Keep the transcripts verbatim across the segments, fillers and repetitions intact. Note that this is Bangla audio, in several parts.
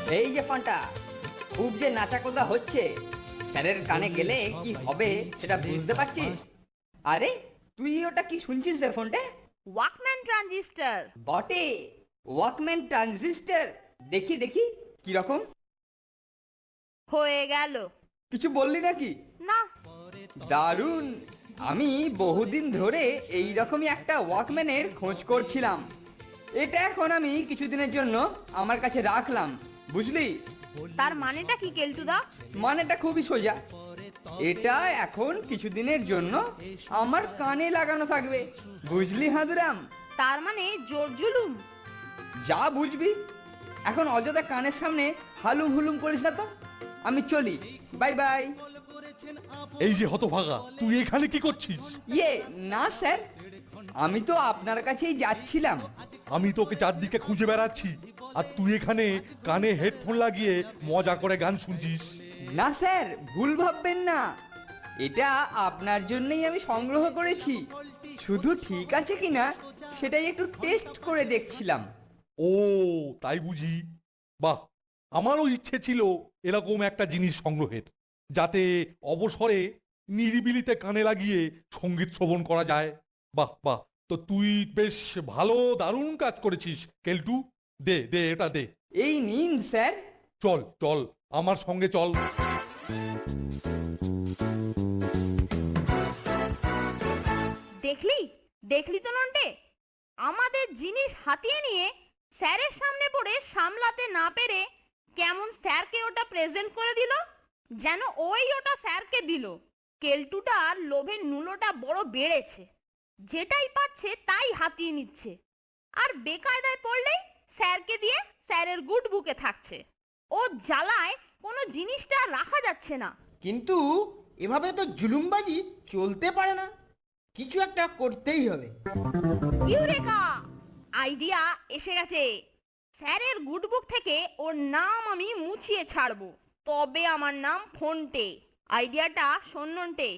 এই যে ফান্টা, খুব যে নাচাকোদা হচ্ছে, স্যারের কানে গেলে কি হবে সেটা বুঝতে পারছিস? আরে তুই ওটা কি শুনছিস রে ফোনটা? Walkman transistor. বটে, ওয়াকম্যান ট্রানজিস্টার। দেখি দেখি কি রকম। হয়ে গেল। কিছু বললি নাকি? না। দারুণ। আমি বহুদিন ধরে এই রকমই একটা ওয়াকম্যানের খোঁজ করছিলাম। এটা এখন আমি কিছুদিনের জন্য আমার কাছে রাখলাম, বুঝলি? তার মানেটা কি কেলটুদা? মানেটা খুবই সোজা। এটা এখন কিছুদিনের জন্য আমার কানে লাগানো থাকবে, বুঝলি হাঁদুরাম? তার মানে জোর জুলুম। যা বুঝবি। এখন অযথা কানের সামনে হালুম হুলুম করিস না তো। আমি চলি, বাই বাই। এই যে হতভাগা, তুই এখানে কি করছিস? ইয়ে না স্যার, আমি তো আপনার কাছেই যাচ্ছিলাম। আমি তোকে চারদিকে খুঁজে বেড়াচ্ছি, আর তুই এখানে কানে হেডফোন লাগিয়ে মজা করে গান শুনছিস। না স্যার, ভুল ভাববেন না। এটা আপনার জন্যই আমি সংগ্রহ করেছি। শুধু ঠিক আছে কিনা সেটাই একটু টেস্ট করে দেখছিলাম। ও তাই বুঝি? বাহ, আমারও ইচ্ছে ছিল এরকম একটা জিনিস সংগ্রহের, যাতে অবসরে নিরিবিলিতে কানে লাগিয়ে সঙ্গীত শ্রবণ করা যায়। বাহ বাহ, তো তুই বেশ ভালো, দারুণ কাজ করেছিস কেলটু। দে দে এটা দে। এই নিন স্যার। চল চল আমার সঙ্গে চল। দেখলি দেখলি তো নন্টে, আমাদের জিনিস হাতিয়ে নিয়ে স্যারের সামনে পড়ে সামলাতে না পেরে কেমন স্যারকে ওটা প্রেজেন্ট করে দিল, যেন ওই ওটা স্যারকে দিল। কেলটুটার লোভের নুলোটা বড় বেড়েছে, যেটাই পাচ্ছে তাই হাতিয়ে নিচ্ছে, আর বেকায়দায় পড়লেই স্যারকে দিয়ে স্যারের গুড বুকে থাকছে। ও জ্বালায় কোনো জিনিসটা রাখা যাচ্ছে না। কিন্তু এভাবে তো জুলুমবাজি চলতে পারে না, কিছু একটা করতেই হবে। ইউরেকা! আইডিয়া এসে গেছে। স্যারের গুডবুক থেকে ওর নাম আমি মুছিয়ে ছাড়বো, তবে আমার নাম ফোনটে। আইডিয়াটা শোননটে।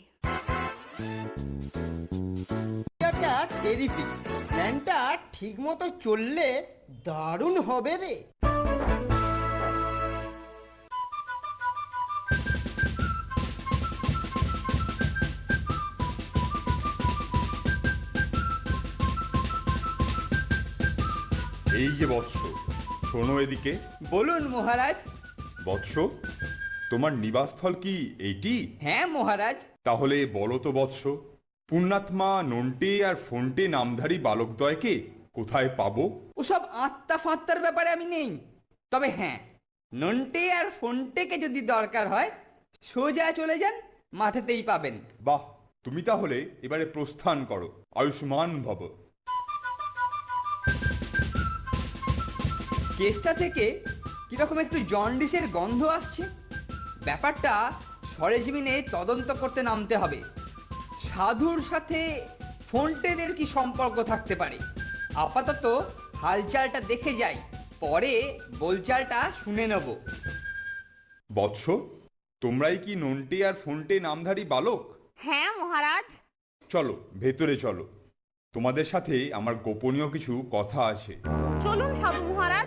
এটা টেরিফিক। প্ল্যানটা ঠিক মতো চললে দারুণ হবে রে। এই যে বৎস, শোনো এদিকে। বলুন মহারাজ। বৎস, তোমার নিবাসস্থল কি এইটি? হ্যাঁ মহারাজ। তাহলে বলো তো বৎস, পুণ্যাত্মা নন্টে আর ফোনটে নামধারী বালকদ্বয়কে কোথায় পাবো? ওসব আত্মা ফাত্তার ব্যাপারে আমি নেই। তবে হ্যাঁ, নন্টে আর ফোনটেকে যদি দরকার হয় সোজা চলে যান, মাঠেতেই পাবেন। বাহ, তুমি তাহলে এবারে প্রস্থান করো। আয়ুষ্মান ভব। কেসটা থেকে কিরকম একটু জন্ডিসের গন্ধ আসছে। ব্যাপারটা সরেজমিনে তদন্ত করতে নামতে হবে। সাধুর সাথে ফোনটেদের কি সম্পর্ক থাকতে পারে? আপাতত হালচালটা দেখে যাই, পরে বোলচালটা শুনে নেব। বৎস, তোমরাই কি নন্টে আর ফোনটে নামধারী বালক? হ্যাঁ মহারাজ। চলো ভেতরে চলো, তোমাদের সাথে আমার গোপনীয় কিছু কথা আছে। চলুন সাধু মহারাজ।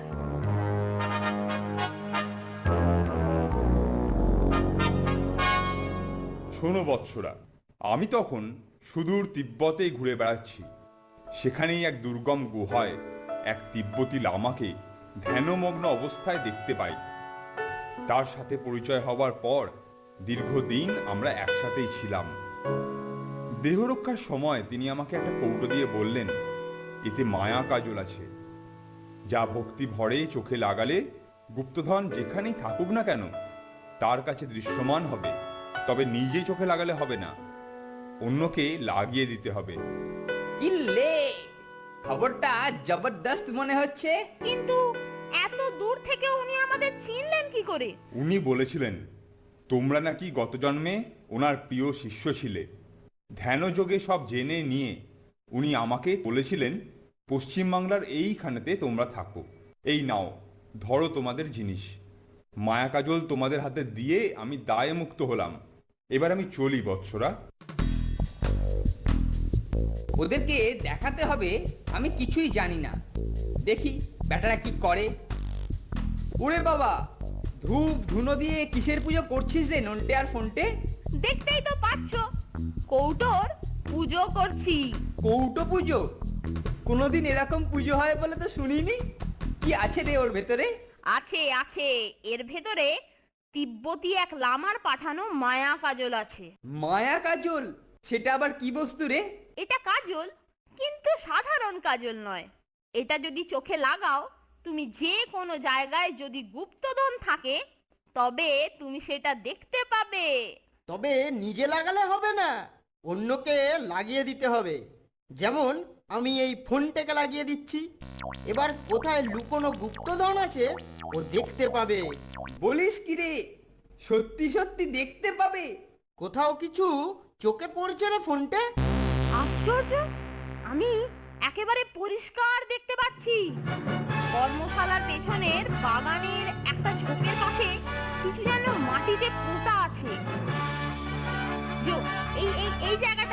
শোনো বৎসরা, আমি তখন সুদূর তিব্বতে ঘুরে বেড়াচ্ছি। সেখানেই এক দুর্গম গুহায় এক তিব্বতী লামাকে ধ্যানমগ্ন অবস্থায় দেখতে পাই। তার সাথে পরিচয় হবার পর দীর্ঘদিন আমরা একসাথেই ছিলাম। দেহরক্ষার সময় তিনি আমাকে একটা কৌটো দিয়ে বললেন, এতে মায়া কাজল আছে, যা ভক্তি ভরে চোখে লাগালে গুপ্তধন যেখানেই থাকুক না কেন তার কাছে দৃশ্যমান হবে। তবে নিজে চোখে লাগালে হবে না, অন্যকে লাগিয়ে দিতে হবে। ইল্লে, খবরটা জবরদস্ত মনে হচ্ছে। কিন্তু এত দূর থেকে উনি আমাদের চিনলেন কি করে? উনি বলেছিলেন তোমরা নাকি গত জন্মে ওনার প্রিয় শিষ্য ছিলে। ধ্যানযোগে সব জেনে নিয়ে উনি আমাকে বলেছিলেন পশ্চিমবাংলার এইখানেতে তোমরা থাকো। এই নাও, ধরো তোমাদের জিনিস। মায়া কাজল তোমাদের হাতে দিয়ে আমি দায় মুক্ত হলাম। এবার আমি চলি বৎসরা। ওদেরকে দেখাতে হবে আমি কিছুই জানি না। দেখি ব্যাটারা কি করে। ওরে বাবা, ধূপ ধুনো দিয়ে কিসের পুজো করছিস রে নন্টে আর ফোনটে? দেখতেই তো পাচ্ছ, কৌটোর পুজো করছি। কৌটো পুজো? কোনোদিন এরকম পুজো হয় বলে তো শুনিনি। কি আছে রে ওর ভেতরে? আছে আছে, এর ভেতরে তিব্বতী এক লামার পাঠানো মায়া কাজল আছে। মায়া কাজল? সেটা আবার কি বস্তু রে? এটা কাজল, কিন্তু সাধারণ কাজল নয়। এটা যদি চোখে লাগাও, তুমি যে কোনো জায়গায় যদি গুপ্তধন থাকে তবে তুমি সেটা দেখতে পাবে। তবে নিজে লাগালে হবে না, অন্যকে লাগিয়ে দিতে হবে। যেমন আমি এই ফোনটাকে লাগিয়ে দিচ্ছি, এবার কোথায় লুকোনো গুপ্তধন আছে ও দেখতে পাবে। বলিস কি রে? সত্যি সত্যি দেখতে পাবে? কোথাও কিছু চোখে পড়ছে রে ফোনটা? আশ্চর্য, আমি একেবারে পরিষ্কার দেখতে পাচ্ছি। কর্মশালার পেছনের বাগানের একটা ঝোপের পাশে কিছু যেন মাটিতে পোঁতা আছে। যো, এই এই এই জায়গাটা